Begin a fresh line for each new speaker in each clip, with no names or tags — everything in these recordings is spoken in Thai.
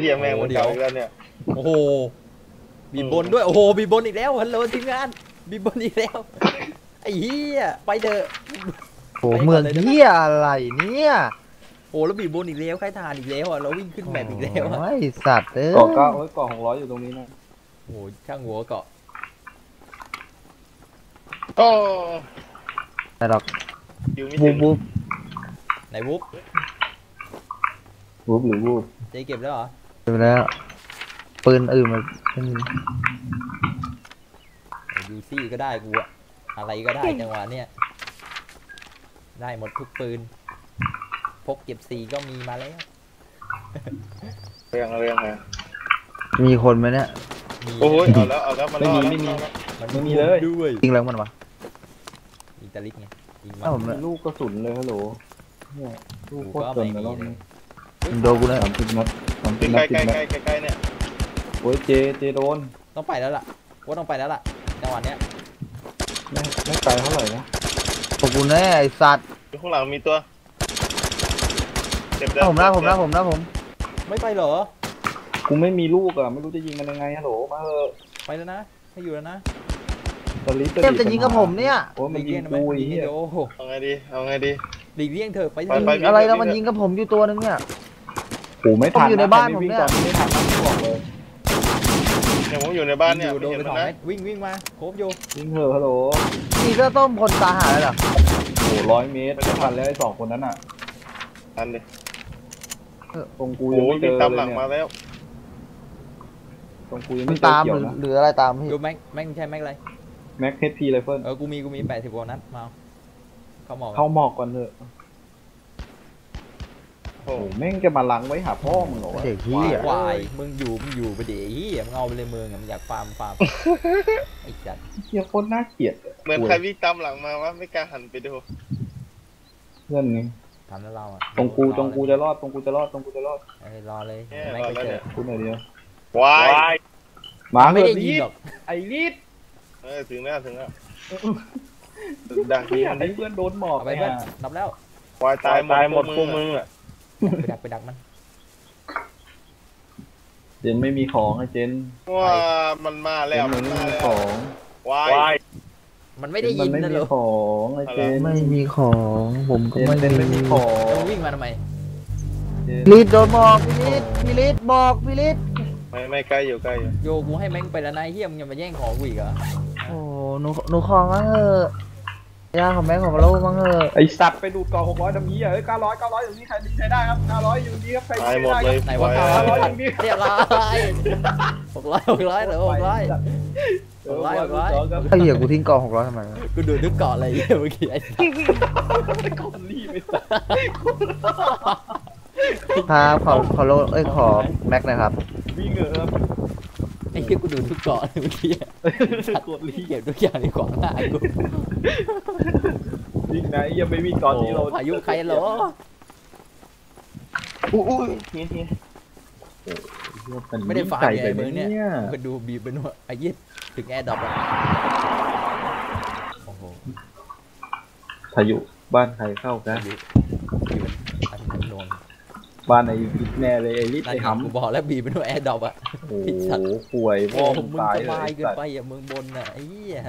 หี้ยแม่งมันเก่าอีกแล้วเนี่ย
โอ้โหบีบบนด้วยโอ้โหบีบบนอีกแล้วฮัลโหลทีมงานบีบบนอีกแล้วไอ้เหี้ยไปเถอะ
โอ้เมืองเหี้ยอะไรเนี่ย
โอ้แล้วบีบบนอีกแล้วใครทานอีกแล้วอ่ะเราวิ่งขึ้นแมปอีกแล้ว
ไอ้สัตว์
เกาะเกาะ600อยู่ตรงนี้นะ
โอ้ช่างหัวเกาะ
โอ้
แต่หรอก
อยู่ไม่ถึง
ไหนวุ๊บ
หรือวูบ
เจ๊เก็บแล้วเหรอ
เก็บแล้วปืนอื่นมัน
ยูซี่ก็ได้กูอะอะไรก็ได้จังหวะเนี้ยได้หมดทุกปืนพกเก็บ4ก็มีมาแล้ว
เรื่องไง
มีคนไหมเนี่ย
โอ้ยเอาแล้วมันไม่
มีเลย
ด้วย
จริงแล้วมันวะ
อิตาลิกไงยิงมา
ลูกกระสุนเลยฮัลโหลเนี่ยลูกโคตรเกินแล้ว
โดนกูเลย
30 นัด
ใกล้เนี่ย
โอ้ยเจโดน
ต้องไปแล้วล่ะว่าต้องไปแล้วล่ะจังหวะเนี้ย
ไม่ไกลเท่าไหร่นะ
ขอบคุณแน่ไอ้สัตว์
ข้างหลังมีตัว
เจ็บแล้วผม
ไม่ไปเหรอ
กูไม่มีลูกอ่ะไม่รู้จะยิงมันยังไงฮัลโหลมาเถอะ
ไปแล้วนะให้อยู่แล้วนะ
เต็มจะยิงกับผมเนี่ย
โอ้มันยิงกูอีก
เอาไงดี
หลีกเลี่ยงเถอะไป
อะไรแล้วมันยิงกับผมอยู่ตัวนึงเนี่ย
โอ้ไม่ทัน
อยู่ในบ้านผมเนี่ย
ไม่ทันนะบอกเลย
เนี่ยผมอยู่ในบ้านเนี่ย
โดนไป2 เม็ดวิ่งมาโคบอยู่
วิ่งเถอะฮัลโหล
มีเสื้อต้มคนตาหายแล้วเหรอ
โอ้100 เมตรไม่ทันแล้วไอ้2 คนนั้นอ่ะ
ทันดิ
ตรงกูยังไม่เจอเลยเนี่ย
ตามหลังมาแล้ว
ตรงกูยังไม่เจอ
ตามหรืออะไรตาม
พี่ดูแม็กใช่แม็กอะไร
แม็กHPไรเฟิล
กูมี80 กว่านัดมาเข้าหมอก
ก่อนเถอะโอ้แม่งจะมาลังไว้หาพ่อมึงเหรอ
เด็กที่
ควายมึงอยู่ไปเดี๋ยวมึงเอาไปเลยมึงมึงอยากฟาร์มไอ้จัด
เฮียโคตรน่าเกลียด
เหมือนใครวิ่งตามหลังมาวะไม่กล้าหันไปดู
เพื่อนไง
ทำแล้วเราอ่ะ
ตรงกูจะรอดร
อเลย
ไม่ไปเจอ
กูหน่อยเดียว
วาย
มา
ไม่ได้ยินหรอก
ไอ้ลีด
ถึงแล้วดังที่
ไอ้เพื่อนโดนหมอก
ไปเพื่อนนับแล้ว
วายตายหมดพวกมึงอ่ะ
ไปดักมัน
เจนไม่มีของไอ้เจน
ว่ามันมาแล้ว
มันไม่มีของ
วาย
มันไม่ได้ยินนะหรอ
ของไอ้เจน
ไม่มีของผมก็
ไม่มีของ
วิ่งมาทำไม
ลีดโดนบอกพี่ลีดบอกพี่ลีด
ไม่ใกล้อยู่
โยกูให้แม่งไปแล้วนายเฮียมึงยังมาแย่งของกูอีกเหรอ
โอ้หนูของมั้งเถอะยาของแม่ของเรามั้งเถอะ
ไอสัตว์ไปดูดกล่อง600ดำนี้เอ้ย900อยู่นี่ใครใช้ได้ครับ900อยู่นี่ครับใคร
ใช้ได้ครับ
ไหนว่า900อยู่นี่เรียบร้อย600เหรอ600
ไอ้เหี้ยกูทิ้งกล่อง600ทำไม
กูดูนึกเกาะอะไรเมื่อกี้ไอ้
ก้อนรีบไปสัตว์
ครับขอโลขอแม็กนะครับ
วิ่งเหรอครับ
ไอ้เหี้ยกูดูทุกเกาะเมื่อกี้
กดรี
เก็บทุกอย่างในขวางหน้ากู
วิ่งไหนยังไม่วิ่งก่อนที่เรา
พายุใครเหรอ
อุ้ย
ไม่ได้ฝ่ายใหญ่เมืองเนี่ยก็ดูบีบเป็นว่าไอ้ยี่ถึงแอร์ดรอปอ่ะโอ้โห
พายุบ้านใครเข้ากันบ้านไอ้ลิดแน่เลยไอ้ลิดไอ้หำ
กูบอกแล้วบีบเป็นว่าแอร์ดรอปอ่ะ
โอ้โหป่วยพ่อมึง
ตายเลยเกินไปอ่ะมึงบนอ่ะไอ้เหี้ย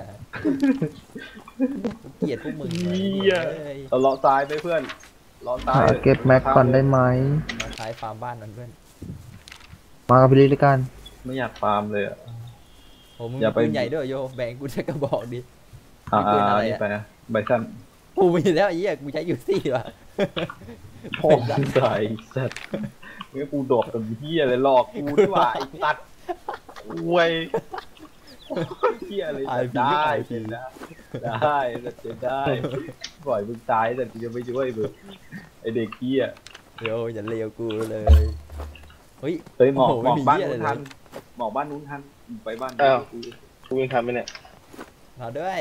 เกลียดพวกมึง
เราเลาะซ้ายไปเพื่อนเลาะซ้าย
เก็บแม็กก่อนได้ไหม
ซ้ายฟาร์มบ้านนั่นเพื่อน
มากับพี่ลิด้วยกัน
ไม่อยากฟาร์มเลยอ่ะ
โอ้มึงปืนใหญ่ด้วยโยแบ่งกูจะกระบอกดิ
ปืนอะไรไปนะใบสั้น
กูมีแล้วไอ้เหี้ยกูใช้ยูซี่ว่ะ
พ่อตายสัตว์เมื่อกูดอกกับเหี้ยเลยหลอกกูด้วยว่าไอ้สัตว์อวยเหี้ยเลยได้ปล่อยมึงตายแต่กูจะไม่ช่วยมึงไอเด็กเหี้ย
เดี๋ยวอย่าเลวกูเลยเ
ฮ้ยหมอกบ้านนู้นทันหมอกบ้านนู้นทันไปบ้าน
กูวิ่งทันไหมเนี่ย
มาด้วย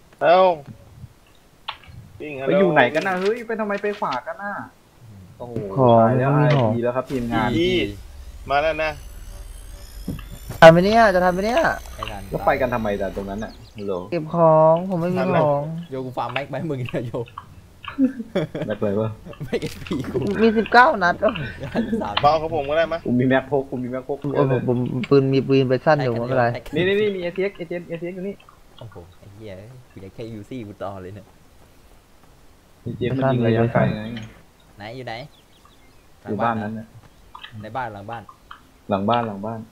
ไปอยู่ไหนกันนะเฮ้ยไปทำไมไปขวากันน่ะโอ้โหแล้วดีแล้วครับทีมงาน
มาแล้วนะ
ทำไปเนี่ยจะทำไปเนี่ย
แล้วไปกันทำไมแต่ตรงนั้นน่ะฮัลโหล
เก็บของผมไม่มีของ
โยกูฟาร์มแม็กไปมึงเนี่ยโย
แม็กเลยวะ
ไม่เอพีกู
มี19 นัดโอ้
53
เบากับผมก็ได้ไหมย
กูมีแม็กพก
โอ้ผมปืนมีปืนไปสั้นอยู่ไม่เป็นไร
นี่มีATX อยู่นี่
โอ้โหไอ้เหี้ยกูอยากแค่ยูซี่กูต่อเลยเนี่ย
ATX มันยิงระยะไกลไง
ไหนอยู่ไหน
อยู่บ้านนั้นนะ
ในบ้านหลังบ้าน
หลังบ้าน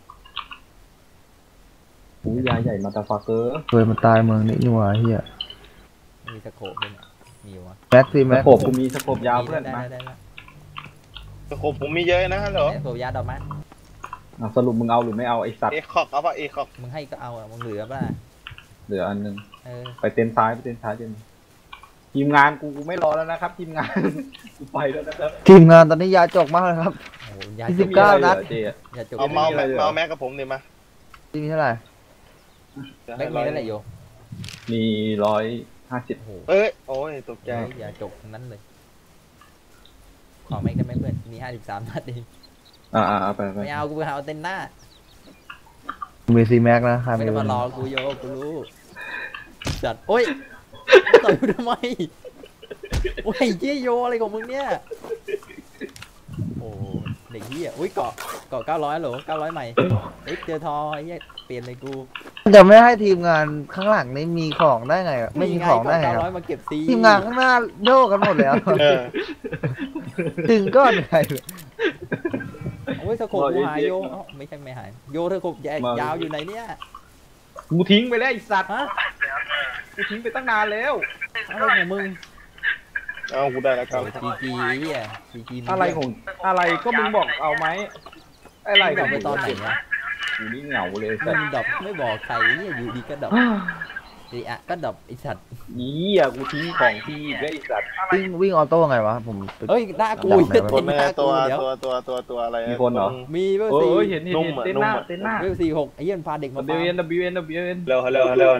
อู้ยาใหญ่มาตาฟาเกอร์
เคยมันตายเมืองนี้นี่หว่าเฮีย
มีสโคปด้วยเนี่ยมีวะ
แม็กซี่
ส
แม็ก
โคบกูมีสโคบยาวเพื่อน
ได้
มา
ได้
แต่ผมมีเยอะนะฮัลโหล
สโคปยาดอกไม้
สรุปมึงเอาหรือไม่เอาไอสัตว์
เอคอกเอาป่ะเอคอก
มึงให้ก็เอาอะมึงเหลือป่ะ
เหลืออันนึง
เออ
ไปเต็นท์ซ้ายเต็นท์ทีมงานกูไม่รอแล้วนะครับ ทีมงาน กูไปแล้วนะครับ
ทีมงานตอนนี้ยาจกมากเลยครับ
โอ้โหยา
ยี่
จ
สิ
ก
บ 19 นัด
เจ๊
ยาจก
เอาเมาส์แม็กกับผมดิมา
ที่มีเท่าไหร่
แบงค์มีเท่าไหร่โย
มี150
โอ้โห
เอ้ยโอ้ยตกใจ
ยาจกทั้งนั้นเลยขอแม็กได้ไหมเพื่อนมี53 นัดเอง
เอาไป
ไม่เอากูไปเอาเต็นหน้า
มีซีแม็กนะใคร
ไม่
ไม่
ได้
รู้
มารอกูโยกูรู้จัดโอ้ยต่อยกูทำไมโอ้ยเยี่ยโยอะไรของมึงเนี่ยโอ้เด็กเหี้ยอุ้ยเกาะ900โหล900ใหม่เอ็กเจอทอไอ้เหี้ยเปลี่ยนเลยกู
จะไม่ให้ทีมงานข้างหลังนี่มีของได้ไงอะไม่มีของได้ไง
เกาะ
อะ
900มาเก็บซี
ทีมงานข้างหน้าโยกกันหมดแล้ว
เออ
ถึงก้อนไหน
โอ้ยสะโขบกูหายโยเอ้าไม่ใช่ไม่หายโยเธอโขบยาวอยู่ไหนเนี่ย
กูทิ้งไปแล้วไอสัตว์
ฮะ
กูทิ้งไปตั้งนานแล้ว
อะไรของมึง
เอากูได้แล้วครับ
จีเหี้ยจี
อะไรก็มึงบอกเอาไหมอะไร
ดอกไปตอนไหนอะ
กูนี่เหงาเลย
มึ
สัต
ง
ว์
ดอกไม่บอกใครเนี่ยอยู่ดีก็ดอกดีอะก็ดอกไอสัตว์
นี่อ่ะกูทิ้งของที่อีกแล้วไอสัตว์
วิ่งออโต้ไงวะผม
เฮ้ยหน้ากู
คนแม่
หน้า
ตั
กู
ว
เดี๋ยว
ตัวอะไร
มีคนเหรอ
มีเวล
เอ
สี่
อเห็นเต้นหน้า
เวล46ไอ้เหี้ยมันพาเด็กมา
WN
เร็ว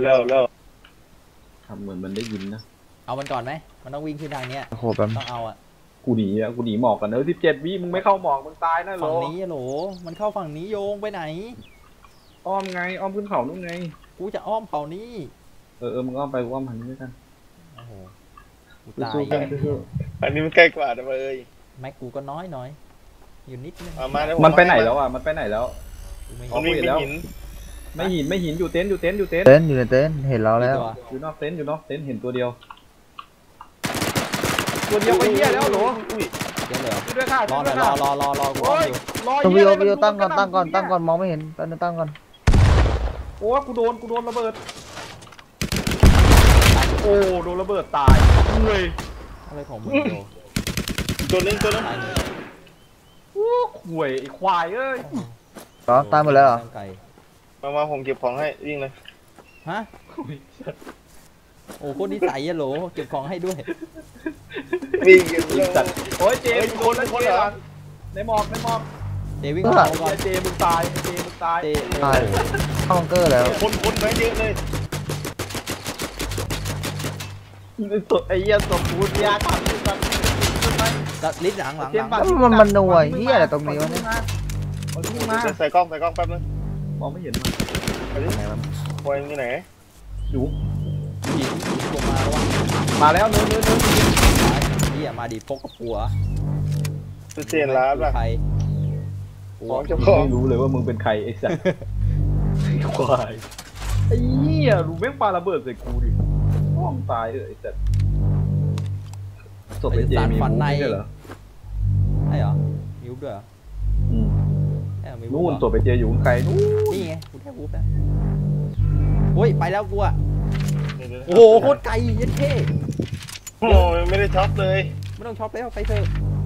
ทำเหมือนมันได้ยินนะ
เอามันก่อนไหมมันต้องวิ่งขึ้นทางเนี้ย
โคแป๊บ
ต้องเอาอะ
กูหนีหมอกกัน17 วิมึงไม่เข้าหมอกมึงตายนะโหล
ฝั่งนี้อะโหลมันเข้าฝั่งนี้โยงไปไหน
อ้อมไงอ้อมขึ้นเขานู่นไง
กูจะอ้อมเขานี้
มึงอ้อมไปกูอ้อมหันนี้ด้วยกัน
โอ้โหกูตาย
สู้กันสู้
อันนี้มันใกล้กว่านะเอ้ย
แม็กกูก็น้อยอยู่นิดนึง
เอามาแล้ว
มันไปไหนแล้วอ่ะมันไปไหนแล้ว
กูไม่
มันวิ่งไปหิน
ไม่หินอยู่เต็นท์
เต็นท์อยู่ในเต็นท์เห็นเราแล้ว
อยู่นอกเต็นท์เห็นตัวเดียวไปเหี้ยแล้วโหล
เดี๋ยวเหรอ
ด้วยค่ะ
รอหน่อยรอกูอ้อมอยู่
ต้องวิวตั้งก่อนมองไม่เห็นตั้งก่อน
โอ้กูโดนระเบิดโอ้โดนระเบิดตายเลย
อะไรของมึงโย
ตัวนึง
ตายหนึ่ง
ห่วยไอ้ควายเอ้ย
ต่อตายหมดแล้วเหรอ
ไก่
มาผมเก็บของให้วิ่งเลย
ฮะโอ้โคตรนิสัยอะโหลเก็บของให้ด้วย
วิ่งกัน
ไอ้
เร็ว
สัตว์โอ้ยเจมึงคนละเจหลังในหมอก
เจวิ่งเข้าก่อน
เจมึงตาย
เจ
ตายเข้าบังเกอร์แล้ว
คนแม่เยอะเลย
ไอ้เหี้ยศพกูยาขับอยู่กัน
ตัดลิ้นหลัง
มันหน่วยเฮียอะไรตรงนี้วะเนี่ย
มา
ใส่กล้องแป๊บนึง
มองไม่เห็นมัน
ไปดิคอยที่ไหน
อยู่
หินลงมาแล้ววะ
มาแล้วเนื้อ
เฮียมาดิพกกับปัว
คือเจนร้านป่ะ
ใคร
ของเจ้าของ
ไม่รู้เลยว่ามึงเป็นใครไอ้สัตว์ไอ้ควายไอ้เหี้ยรู้แม่งปาระเบิดใส่กูดิห้องตายไอ้สัตว์ศพไอ้เจมีมูไม่ใช่เหรอ
ใช่เหรอมิวด้วยเหรอมี
นู่นศพไอ้เจอยู่ไกลนู่น
นี่ไงกูแค่วูบแล้วโอ้ยไปแล้วกูอะโอ้โหโคตรไกลยันเท่
โอ้ยไม่ได้ช็อปเลย
ไม่ต้องช็อปแล้วไปเถอะ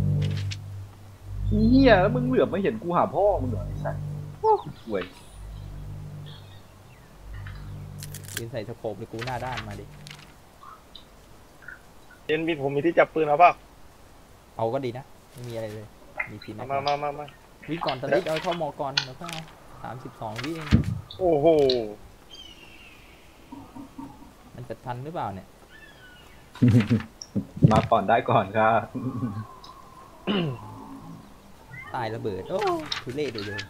เหี้ยแล้วมึงเหลือบไม่เห็นกูหาพ่อมึงเหรอไอ้สัตว์โอ้ห่วย
ยืนใส่สโคปเลยกูหน้าด้านมาดิ
เจนบินผมมีที่จับปืนเอาเปล่า
เอาก็ดีนะไม่มีอะไรเลยมีทีนะ
มา
วิ่งก่อนตอนนี้เอาเข้ามอก่อนแล้วก็32 วิเอง
โอ้โห
มันจะทันหรือเปล่าเนี่ย
มาก่อนได้ก่อนครับ
ตายระเบิดโอ้ทุเรศเลย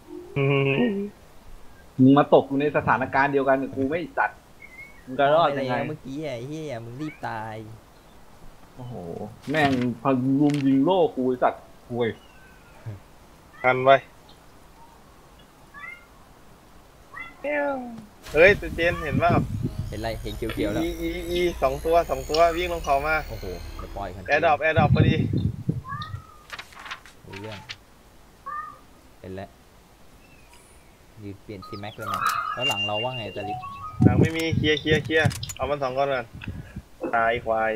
มึงมาตกอยู่ในสถานการณ์เดียวกันกับกูไม่จัดมึงจะรอดยังไง
เมื่อกี้ไอ้เหี้ยมึงรีบตาย
โอ้โหแม่งพันลุมยิงโล่กูไอ้สัตว์ห่วย
ทันไว้เฮ้ยตัวเจนเห็นว่า
เห็นไรเห็นเขียวๆแล้ว
อีสองตัววิ่งลงเขามา
โอ้โหเดี๋ยวปล่อยกัน
แอร์ดรอปพอดี
รู้เรื่องเห็นแล้วยืนเปลี่ยนซีแม็กเลยนะแล้วหลังเราว่าไงตาลิก
หลังไม่มีเคลียร์เอามัน2 ก้อนก่อนตายควาย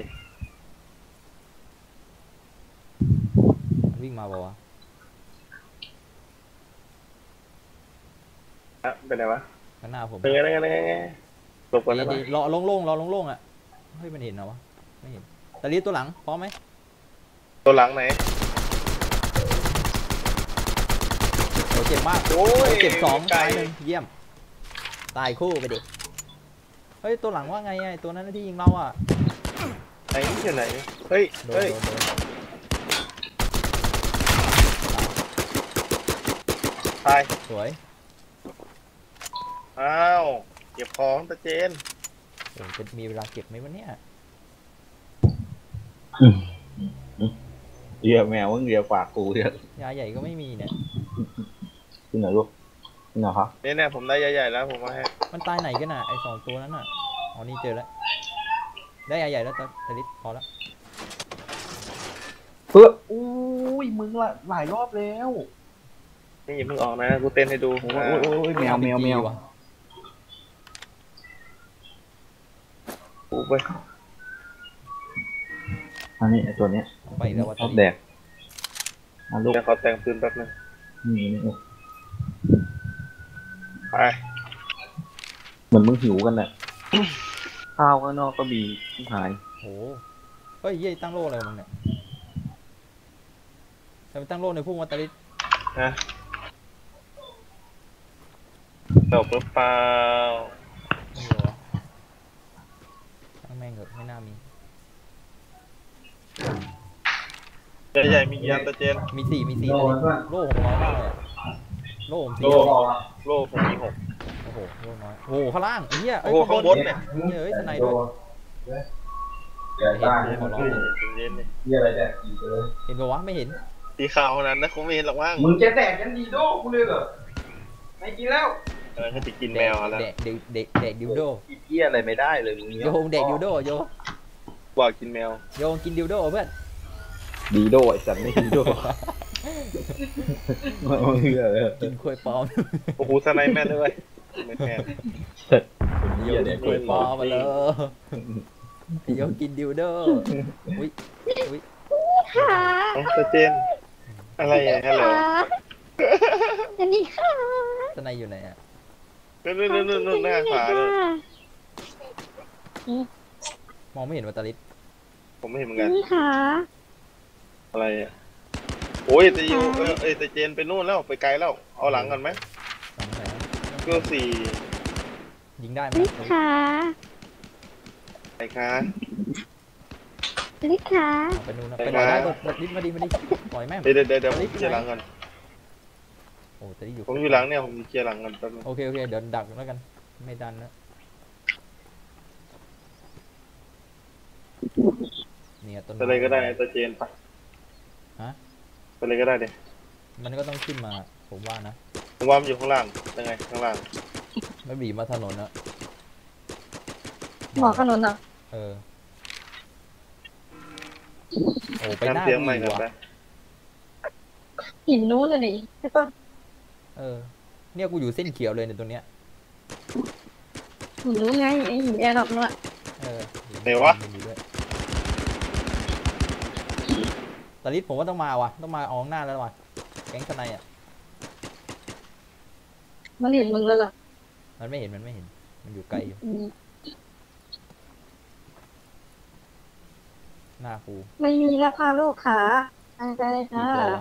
มันวิ่งมาบอกว่า
อะเป็นไงวะ
ข้างหน้าผม
เป็นไงหลบก่อนได้ปะ
ดีๆรอโล่งๆอ่ะเฮ้ยมันเห็นเหรอวะไม่เห็นตาลิกตัวหลังพร้อมไหม
ตัวหลังไหน
โอ้เจ็บมาก
โอ้ย
เจ็บ2
ไกล
ตาย1เยี่ยมตายคู่ไปดิเฮ้ยตัวหลังว่าไงไอ้ตัวนั้นที่ยิงเราอ่ะ
ไหนที่ไหนเฮ้ย
โดน
ตาย
สวย
อ้าวเก็บของตะเจน
โอ้จะมีเวลาเก็บไหมวะเนี่ย
เรียกแมวมึงเรียกฝากกูเรียก
ยาใหญ่ก็ไม่มีเนี่ย
ที่ไหนลูกที่ไหนครับ
เนี่ยผมได้ใหญ่ๆแล้วผมมาให้
มันตายไหนกันน่ะไอ้2 ตัวนั้นน่ะอ๋อนี่เจอแล้วได้ยาใหญ่แล้วตาลิกพอแล้ว
อุ้ยมึงละหลายรอบแล้ว
นี่อย่าเพิ่งออกนะกูเต้นให้ดู
โอ้ยแมว
ว่ะ
กูไป
อันนี้ไอ้ตัวเนี้ย
ไปแล้วว่า
ชอบแดกลูก
เดี๋ยวขอแต่งปืนแป๊บนึง
นี่
ไป
เหมือนมึงหิวกันแหละ ข้าวข้างนอกก็มีหาย
โอ้เฮ้ยเย้ยตั้งโล่อะไรของมึงเนี่ยทำไมตั้งโล่ในพุ่งวัตลิต
นะจบหรือเปล่า
ไม่รู้วะตั้งแม่งเหอะไม่น่ามี
ใหญ่ๆมีกี่อันตะเจน
มี4ตาลิตโล่600มากเลยอะโล่ผม4
โล่ผมมี6
โอ้โหโล่น้อยโอ้โหข้างล่างไอ้เหี้ย
โอ้โหข้างบนเนี่ย
เฮ้ยสไนด้วยเห็นขอร้องเลย
เย็นๆนี่
นี่อะไรเนี่ยอีกเลย
เห็นปะวะไม่เห็น
สีขาวนั้นนะคงไม่เห็นหรอกมั้ง
มึงจะแดกกันดีโด้กูเลยเหรอไม่กินแล้ว
อะไรก็จะกินแมวแล้ว
เด็กดิวโด
กินเหี้ยอะไรไม่ได้เลยมึง
โยงเด็กดิวโดโย
บอกกินแมว
โยงกินดิวโดเพื่อน
ดีโดไอ้สัตว์ไม่ดีโดมันเหี้ยเลย
กินควยปลอม
โอ้โหสไนแม่นด้วยไม่แม่น
เหี้ยเนี่ย
ควยปลอมมาเลยโยงกินดิวโดอุ้ย
ค่ะ
น้องตะเจน อะไรอ่ะฮัลโหล
อันนี้ค่ะ
สไนอยู่ไหนอ่ะ
นู่นหน้าขวาเลย
มองไม่เห็นวัตลิต
ผมไม่เห็นเหมือน
อั
กัน น
นี้ค่ะ
อะไรอ่ะโอ้ยตะยูตะเจนไปนู่นแล้วไปไกลแล้วเอาหลังกันไหม
สองแสน
ก็สี่
ยิงได้ไหม
อันนี้ค่ะ
ไปคะ
อันนี้ค่ะ
ไปนู่นนะไปหน่อยได้วัตลิตมาดิปล่อยแม่ง
เดี๋ยวผมเคลียร์หลังกัน
โอ้แต่ที่อยู่
ผมอยู่หลังเนี่ยผมเคลียร์หลังกันแป๊บนึง
โอเคเดี๋ยวดักแล้วกันไม่ดันแล้วเนี่ยต้น
ไปเลยก็ได้ตะเจนไป
ฮะ
ไปเลยก็ได้เดี๋ย
มันก็ต้องขึ้นมาผมว่านะ
ผมว่ามันอยู่ข้างล่างยังไงข้างล่าง
ไม่บีบมาถนนนะ
หมอขนุนเหรอ
เออโอ้ไปหน้า
เสียงใหม่
ดี
กัน
ว่ะ
ไป
หินนู้นเลยนี่ใช่ปะ
เออเนี่ยกูอยู่เส้นเขียวเลยในตัวเนี้ย
หินนู้นไงไอหินแอร์ดรอปนู้นอะ
เออ
ไหนวะ
มีด้วยตาลิสผมว่าต้องมาว่ะต้องมาออกหน้าแล้วว่ะแก๊งทนายอ่ะ
มันเห็นมึงแล้วเหรอ
มันไม่เห็นมันอยู่ไกลอยู่
อืม
หน้ากู
ไม่มีราคาลูกขาอะไรเลย
กี่
ค่ะ
ตัววะ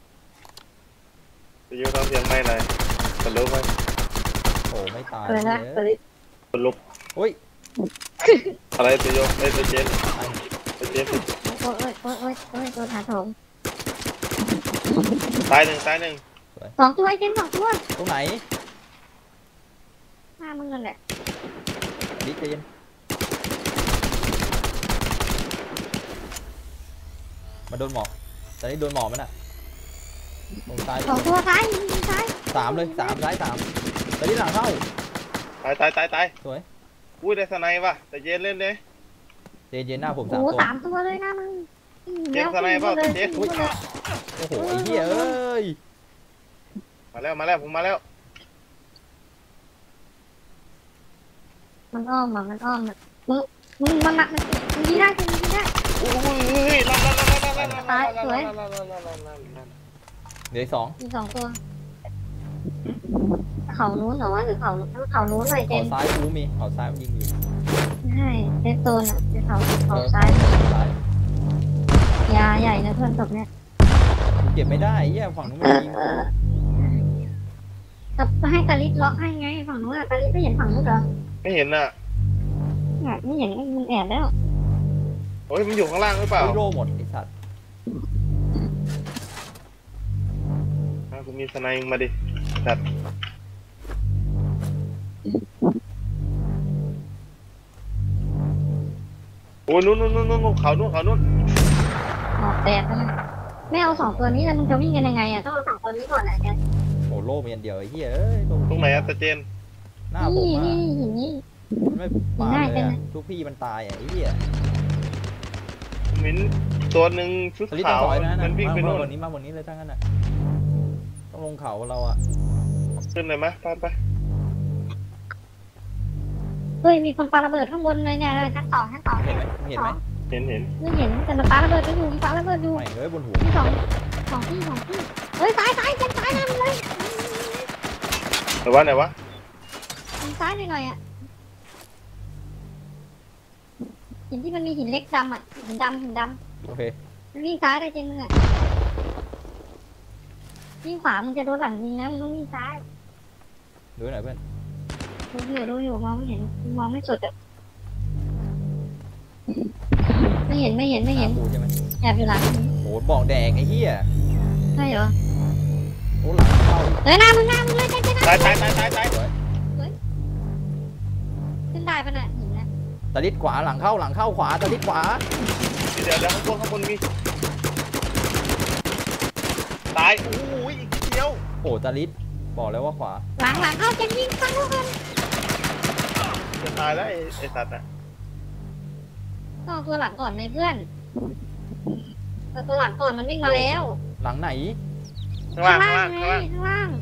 ตะยูต้องเสียงใหม่หน่อยคนลุกไหม
โอ้ไม่ตาย
อะไรนะ
เลย
ตอนนี้
คนลุก
โอ้ย
อะไรตะยูตะเจน
ตาย
ตะเจน
โอ้ยตัวถาโถม
ตายหนึ่ง
2 ตัวไอ้เจน2 ตัว
ตรงไหน
หน้ามึงนั่นแหละ
ดิใจเย็นมาโดนหมอกตอนนี้โดนหมอกมันอ่ะตรงซ้าย
สองตัวซ้ายยิงซ้าย
สามเลยสามซ้ายสามตอนนี้หลังเข้า
ตาย
สวย
อุ้ยได้สไนป์ว่ะแต่เจนเล่นเลย
เจนเจนหน้าผม
โอ้
สาม
โห
ตัว
3 ตัวเลยนะมึง
เจ็บสไนเปอร์เจ็บ
โอ้โหไอ้เหี้ยเอ้ย
มาแล้วผมมาแล้ว
มันอ้อมมันอ้อมมึงมันหนักมึงยิงได้ยิงได้
อุ้ยลั่น
เหลืออกสอง
มี2 ตัวเขานู้นเหรอวะหรือเขานู้นเลยเจ
เขา
น
ซ้ายกูมีเขาซ้ายมันยิงอยู่
ใช่เซฟโซนอ่ะเป็นเขาซ้าย
ซ้าย
ยาใหญ่นะเพื่อนศพเนี่ย
กูเก็บไม่ได้ไอ้เหี้ยฝั่งนู้นมันยิง
จะให้กาลิสล็อกให้ไงฝั่งนู้นอะกาลิสไม่เห็นฝั่งนู้นเหรอ
ไม่เห็นน่ะ
ไม่เห็นมึงแอบแล้ว
โอ้ยมันอยู่ข้างล่างหรือเปล่า
ไอ้โร่หมดไอ้สัตว์
กูมีสไนป์มาดิจัดโอ้ยนู้นเขานู้น
หมอกแตกแล้วนะไม่เอา2 ตัวนี้แล้วมึงจะวิ่งกันยังไงอ่ะต้องเอา2 ตัวนี้ก่อนแหละแก
โอ้โล่มีอันเดียวไอ้เหี้ยเอ้ย
ตรงไหนอะตาเจน
หน้าผม
นี่
อ่ะ
หินนี่
ไม่ปาเลยอะทุกพี่มันตายอ่ะไอ้เหี้ย
มินตัวหนึ่งชุด
สลิดต้
ขา
อง
ว
ถอยนะ
มันวิ่งไป
มา
โน่น
วันนี้มาวันนี้เลยทั้งนั้นอ่ะต้องลงเขาเราอ่ะ
ขึ้นเลยไหมไป
เฮ้ยมีคนปาระเบิดข้างบนเลยเนี่ยชั้น 2 ชั้น 2
เห็นไหมเห็นไหม
เห็น
ไม่เห็นแต่มันปาระเบิดไปอยู่มันปาระเบิดอยู่
ไม่เอ้ยบนหัว
ที่สองที่เฮ้ยซ้ายเส้นซ้ายนะมันเลย
ไหนวะ
ทางซ้ายหน่อยอ่ะหินที่มันมีหินเล็กดำอ่ะหินดำ
โอเค
มันวิ่งซ้ายได้จริงมึงอ่ะวิ่งขวามึงจะโดนหลังยิงนะมึงต้องวิ่งซ้าย
ดูหน่อยเพื่อน
ดูอยู่มองไม่เห็นมองไม่สุดอ่ะไม่เห็น
กูใช่ไหม
แอบอยู่หลัง
โหบอกแดงไอ้เหี้ย
ใช่เหรอ
โอ้หลังเข้า
เฮ้ยหน้ามึงเลยเจ๊
ตาย
ขึ้นได้ปะเนี่ยหินนะ
ตะลิดขวาหลังเข้าขวาตะลิดขวา
เดี๋ยวข้างบนมีตายโอ้ยอีกเดียว
โอ้ตะลิดบอกแล้วว่าขวา
หลังเข้าเจ๊วิ่งฟังลูกกัน
จะตายแล้วไอ้สัตว์อะ
ก็ตัวหลังก่อนเลยเพื่อนตัวหลังก่อนมันวิ่งมาแล้ว
หลังไหน
ข้างล่าง
ข้างล่าง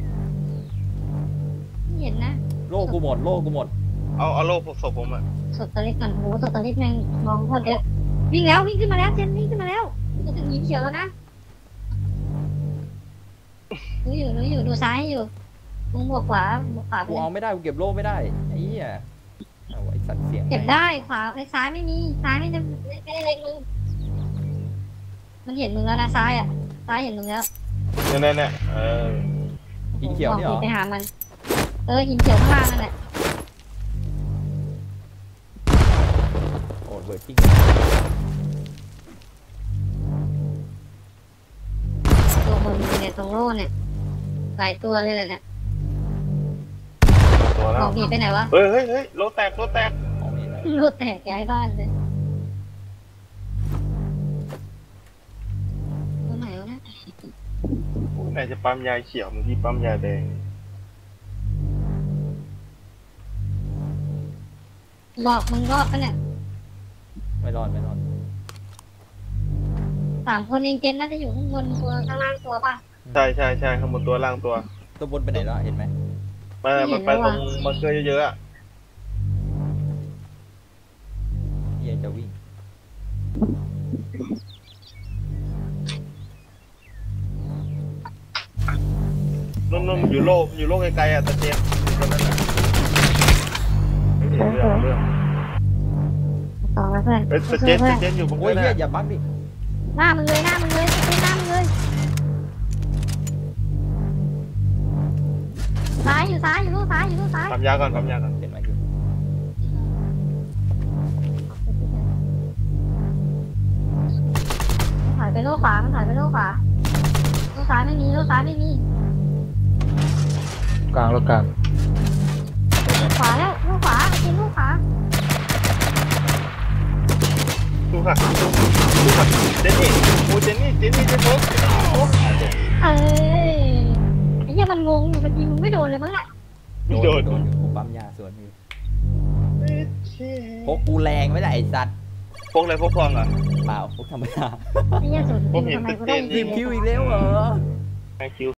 ไม่เห็นนะ
โล่กูหมด
เอาโล่ศพผมอะ
สดตะลิกก่อนโหสดตะลิกแม่งมองโคตรเยอะวิ่งขึ้นมาแล้วเจนวิ่งขึ้นมาแล้วจะถึงหินเขียวแล้วนะรู้อยู่ดูซ้ายอยู่มึงบวกขวาไป
กูเอาไม่ได้กูเก็บโล่ไม่ได้ไอ้เหี้ยเอาไอ้สัตว์เสียง
เก็บได้ขวาไอ้ซ้ายไม่มีซ้ายไม่ได้เล็งมึงมันเห็นมึงแล้วนะซ้ายอ่ะซ้ายเห็นมึงแล้ว
เนี่ย
หินเขียวนี่เหรอ
ไปหามันหินเขียวข้างล่างนั่นแหละ
โอ้เบิร์ดกิ้ง
ตัวบนเนี่ยตรงโล่เนี่ยหลายตัวเลยแหละเนี่ย
ตัว
ข
แล้
อ
ว
งผีไปไหนวะ
เฮ้ยโลแตก
ของนี่นะ
รถแตกย้ายบ้านเลยตัวไหนวะเนี่ย
ไหนจะปั๊มยาเขียวเมื่อกี้ปั๊มยาแดง
บอกมึงรอดปะเนี่ย
ไม่รอด
3 คนเองเจนน่าจะอยู่ข้างบนตัวข้างล่างตัวป่ะ
ใช่ข้างบนตัวล่างตัว
ตัวบนไปไหนแล้วเห็นไหม
มันไปตรงบังเกอร์เยอะๆอะ
เหี้ยจะวิ่ง
นุ่นอยู่โลกไกลๆอะตะเจนตัวนั้นอะเรื่อง
ต่อมาเพื่อน
ตะเจนอยู่บน
โอ้
เกอย ร์
เหี้ย
น่ะ
อย่าบักดิ
หน้ามึงเลยหน้ามึงเลยซ้ายอยู่ลูกซ้าย
ปั๊มยาก่อน
เห็นไหมอยู่
ถ่ายไปโลกขวามันถ่ายไปโลกขวาโลกซ้ายไม่มี
กลางแล้วกลาง
ขวาแล้วโลกขวากินโลกขวา
โอ้ค่ะดูค่ะเจนนี่โอ้เจนนี่เจนโป๊กโอ้
เอ้ยไอ้เหี้ยมันงงอยู่มันยิงมึงไม่โดนเลยมั้งอะ
โดน
อยู่กูปั๊มยาสวนอยู่พกกูแรงไม่ได้ไอ้สัตว์
พกอะไรพกทองอ่ะ
เปล่าพกธรรมดา
ไอ้เหี้ยสุด
ผมเห็น
ทำไมกู
เต้
ต้อง
น
10 คิวอีกแล้วเหรอ
ไอคิว